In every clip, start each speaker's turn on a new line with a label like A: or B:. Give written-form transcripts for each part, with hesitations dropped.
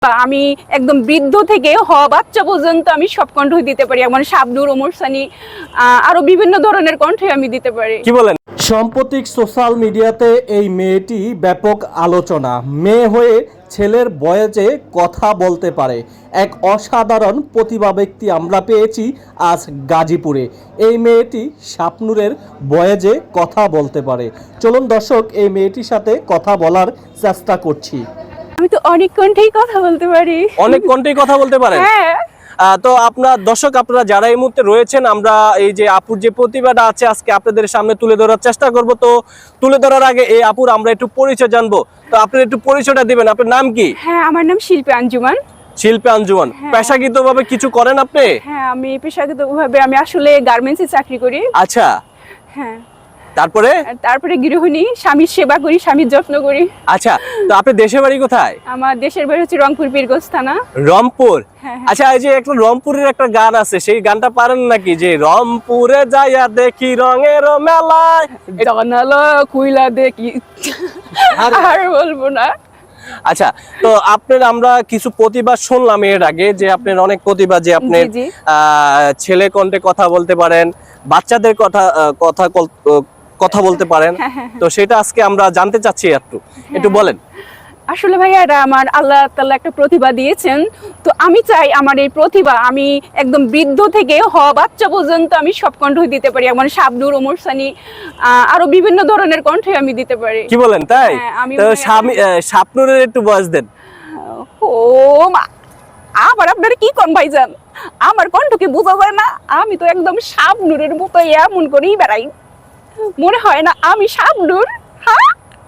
A: আমি একদম বৃদ্ধ থেকে হওয়া বাচ্চা পর্যন্ত আমি সব কণ্ঠ দিতে পারি, যেমন শাবনূর, ওমর সানি, আরো বিভিন্ন ধরনের কণ্ঠ আমি দিতে পারি।
B: কি বলেন? সাম্প্রতিক সোশ্যাল মিডিয়াতে এই মেয়েটি ব্যাপক আলোচনা। মেয়ে হয়ে ছেলের বয়েজে কথা বলতে পারে, এক অসাধারণ প্রতিভা ব্যক্তি আমরা পেয়েছি আজ গাজীপুরে। এই মেয়েটি শাবনূরের বয়েজে কথা বলতে পারে। চলুন দর্শক, এই মেয়েটির সাথে কথা বলার চেষ্টা করছি।
A: আমি তো অনেক কণ্ঠেই কথা বলতে পারি।
B: অনেক কণ্ঠেই কথা বলতে পারেন?
A: হ্যাঁ।
B: তো আপনার দর্শক, আপনারা যারা এই মুহূর্তে রয়েছেন, আমরা এই যে আপুর যে প্রতিভাটা আছে আজকে আপনাদের সামনে তুলে ধরার চেষ্টা করব। তো তুলে ধরার আগে এই আপুর আমরা একটু পরিচয় জানবো। তো আপনি একটু পরিচয়টা দিবেন। আপনার নাম কি?
A: হ্যাঁ, আমার নাম শিল্পী আঞ্জুমান।
B: শিল্পী আঞ্জুমান।
A: হ্যাঁ।
B: পেশাগতভাবে কিছু করেন আপনি?
A: হ্যাঁ, আমি পেশাগতভাবে আমি আসলে গার্মেন্টসে চাকরি করি।
B: আচ্ছা।
A: হ্যাঁ।
B: তারপরে
A: গৃহিণী, স্বামীর সেবা করি, স্বামীর যত্ন করি।
B: আচ্ছা, তো আপনার দেশের বাড়ি কোথায়?
A: আমার দেশের বাড়ি হচ্ছে রংপুর, পীরগঞ্জ থানা।
B: রংপুর?
A: হ্যাঁ।
B: আচ্ছা, এই যে একটা রংপুরের একটা গান আছে, সেই গানটা পারেন নাকি? যে রংপুরে যাইয়া দেখি রঙের মেলায়
A: জানালা খুইলা দেখি, আর বলবো না।
B: আচ্ছা, তো আপনার আমরা কিছু প্রতিভা শুনলাম এর আগে, যে আপনার অনেক প্রতিভা, যে আপনি ছেলে কণ্ঠে কথা বলতে পারেন, বাচ্চাদের কথা বলতে পারেন। তো সেটা আজকে আমরা জানতে চাচ্ছি, একটু বলেন।
A: আসলে ভাইয়া, এটা আমার আল্লাহ তাআলা একটা প্রতিভা দিয়েছেন। তো আমি চাই আমার এই প্রতিভা আমি একদম বৃদ্ধ থেকে হওয়া বাচ্চা পর্যন্ত আমি সব কণ্ঠ দিতে পারি, যেমন শাবনূর, ওমর সানি, আরো বিভিন্ন ধরনের কণ্ঠ আমি দিতে পারি।
B: কি বলেন? তাই? তো শাবনূরের একটু বয়স দেন।
A: ও মা, আবার আপনারা কি কোন ভাইজান, আমার কণ্ঠকে বোঝা যায় না? আমি তো একদম শাবনূরের মতো এমন করেই বেড়াই, মনে হয় না আমি শাবনূর। হ্যাঁ,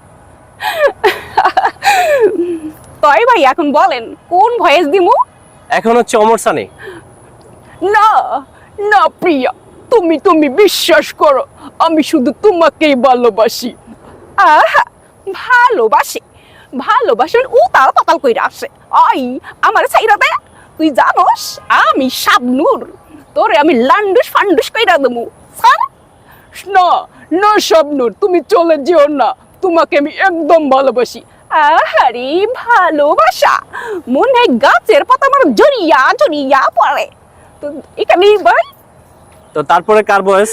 A: তাই ভাই এখন বলেন কোন ভয়েস দিমু?
B: এখন হচ্ছে ওমর সানি।
A: না না প্রিয়া, তুমি বিশ্বাস করো, আমি শুধু তোমাকেই ভালোবাসি। আহা, ভালোবাসেন উতাল পাতাল কইরা আসে। আই আমার ছাইরা দে, তুই জানোস আমি শাবনূর, তোরে আমি লান্ডুস ফান্ডুস কইরা দেবো। না না শাবনূর, তুমি চলে যেও না, তোমাকে আমি একদম ভালোবাসি। আহারে ভালোবাসা, মনে হয় গাছের পাতা আমার জড়িয়া জড়িয়া পড়ে। তো এখানেই ভাই।
B: তো তারপরে কার বয়স?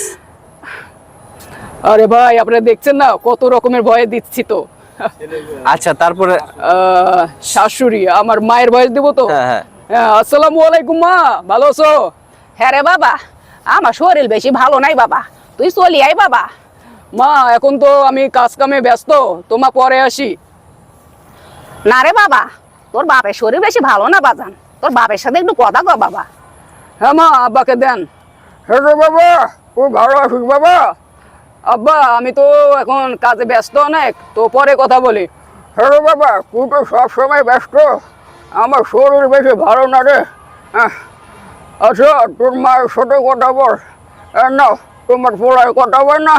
A: আরে ভাই, আপনারা দেখছেন না কত রকমের ভয় দিচ্ছি তো।
B: আচ্ছা, তারপরে
A: শাশুড়ি, আমার মায়ের বয়স দেবো তো?
B: হ্যাঁ।
A: আসসালামু আলাইকুম মা, ভালো আছো? হ্যাঁ রে বাবা, আমার শরীর বেশি ভালো নাই বাবা, তুই চলি আয় বাবা। মা, এখন তো আমি কাজ কামে ব্যস্ত, তোমা পরে আসি। না রে বাবা, তোর বাপের শরীর বেশি ভালো না বাজান, তোর বাপের সাথে একটু কথা কর বাবা। হ্যাঁ মা, আব্বাকে দেন। হ্যাঁ রে বাবা, তুই ভালো আছিস বাবা? আব্বা, আমি তো এখন কাজে ব্যস্ত অনেক, তো পরে কথা বলি। হ্যাঁ রে বাবা, তুই তো সবসময় ব্যস্ত, আমার শরীর বেশি ভালো না রে। আচ্ছা, তোর মায়ের সাথে কথা বল না, তোমার পোলায় কথা বল না।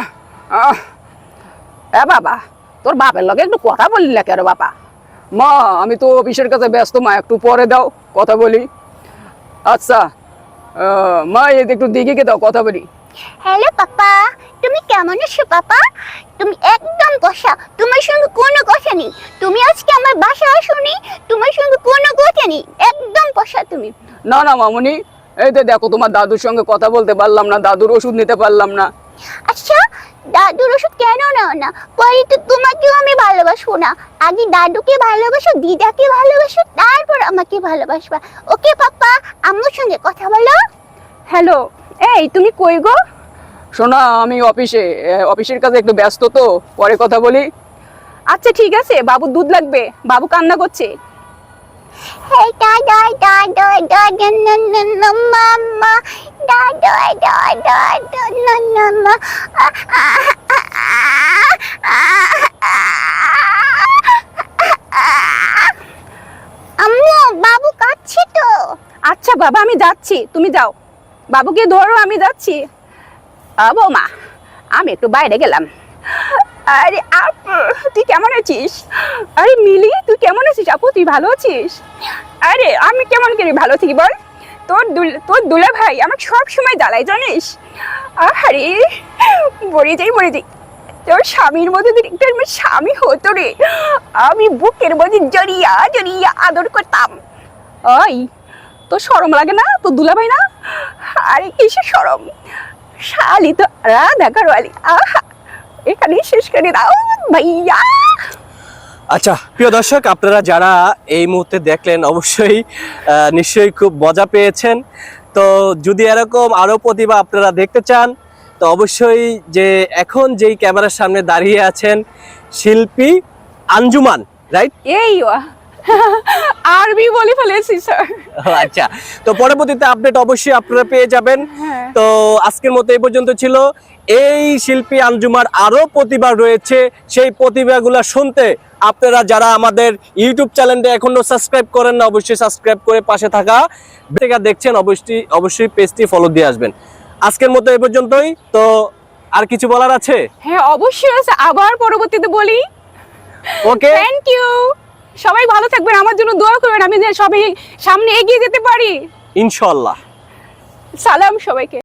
A: হ্যাঁ বাবা, তোর বাপের লগে একটু কথা বললি না কেন বাবা? মা, আমি তো অফিসের কাছে ব্যস্ত মা, একটু পরে দাও কথা বলি। আচ্ছা মা, এদিকে একটু দিকে দাও, কথা বলি।
C: হ্যালো পাপা, তুমি কেমন আছো পাপা? তুমি একদম বসা, তোমার সঙ্গে কোনো কথা নেই। তুমি আজকে আমার বাসায় আসোনি, তোমার সঙ্গে কোনো কথা নেই, একদম বসা তুমি।
A: না না মামুনি, এই তো দেখো তোমার দাদুর সঙ্গে কথা বলতে পারলাম না, দাদুর ওষুধ নিতে পারলাম না।
C: আচ্ছা, দাদুর ওষুধ কেন নাও না? পরে তো তোমাকেও আমি ভালোবাসবো না, আগে দাদুকে ভালোবাসো, দিদাকে ভালোবাসো, তারপর আমাকে ভালোবাসবা। ওকে পাপা, আম্মুর সঙ্গে কথা বলো।
A: হ্যালো, এই তুমি কই গো? শোনা, আমি অফিসের কাছে একটু ব্যস্ত, তো পরে কথা বলি। আচ্ছা ঠিক আছে, বাবু দুধ লাগবে, বাবু কান্না করছে।
C: Hey, mama, mama. আম্মু, বাবু কাঁদছে তো।
A: আচ্ছা বাবা, আমি যাচ্ছি, তুমি যাও, বাবুকে ধরো, আমি যাচ্ছি। বৌমা, আমি একটু বাইরে গেলাম। আরে আপু, তুই কেমন আছিস? আরে মিলি, তুই কেমন আছিস? আপু, তুই ভালো আছিস? আরে আমি কেমন করে ভালো থাকি বল? তোর দুলা ভাই আমাকে সব সময় জ্বালাই, জানিস? আরে মরে যাই। তোর স্বামীর মধ্যে আমার স্বামী হতো রে, আমি বুকের মধ্যে জড়িয়া আদর করতাম। ওই তো শরম লাগে না তো দুলাভাই না? আরে কিসের শরম, শালি তো রাধা কারওয়ালি। আহা, এখানেই শেষ করে দাও ভাইয়া।
B: আচ্ছা প্রিয় দর্শক, আপনারা যারা এই মুহূর্তে দেখলেন অবশ্যই নিশ্চয়ই খুব মজা পেয়েছেন। তো যদি এরকম আরও প্রতিভা আপনারা দেখতে চান তো অবশ্যই যে এখন যেই ক্যামেরার সামনে দাঁড়িয়ে আছেন শিল্পী আঞ্জুমান, রাইট?
A: এই আরবি বলে ফেলেছি স্যার।
B: আচ্ছা, তো পরবর্তীতে আপডেট অবশ্যই আপনারা পেয়ে যাবেন।
A: হ্যাঁ।
B: তো আজকের মতো এই পর্যন্ত ছিল। এই শিল্পী আঞ্জুমার আরো প্রতিভা রয়েছে, সেই প্রতিভাগুলো শুনতে আপনারা যারা আমাদের ইউটিউব চ্যানেলটা এখনো সাবস্ক্রাইব করেন না অবশ্যই সাবস্ক্রাইব করে পাশে থাকা বেল দেখছেন অবশ্যই পেজটি ফলো দিয়ে আসবেন। আজকের মতো এই পর্যন্তই। তো আর কিছু বলার আছে?
A: হ্যাঁ অবশ্যই আছে, আবার পরবর্তীতে বলি।
B: Okay,
A: thank you. সবাই ভালো থাকবেন, আমার জন্য দোয়া করবেন আমি যেন সবাই সামনে এগিয়ে যেতে পারি।
B: ইনশাআল্লাহ।
A: সালাম সবাইকে।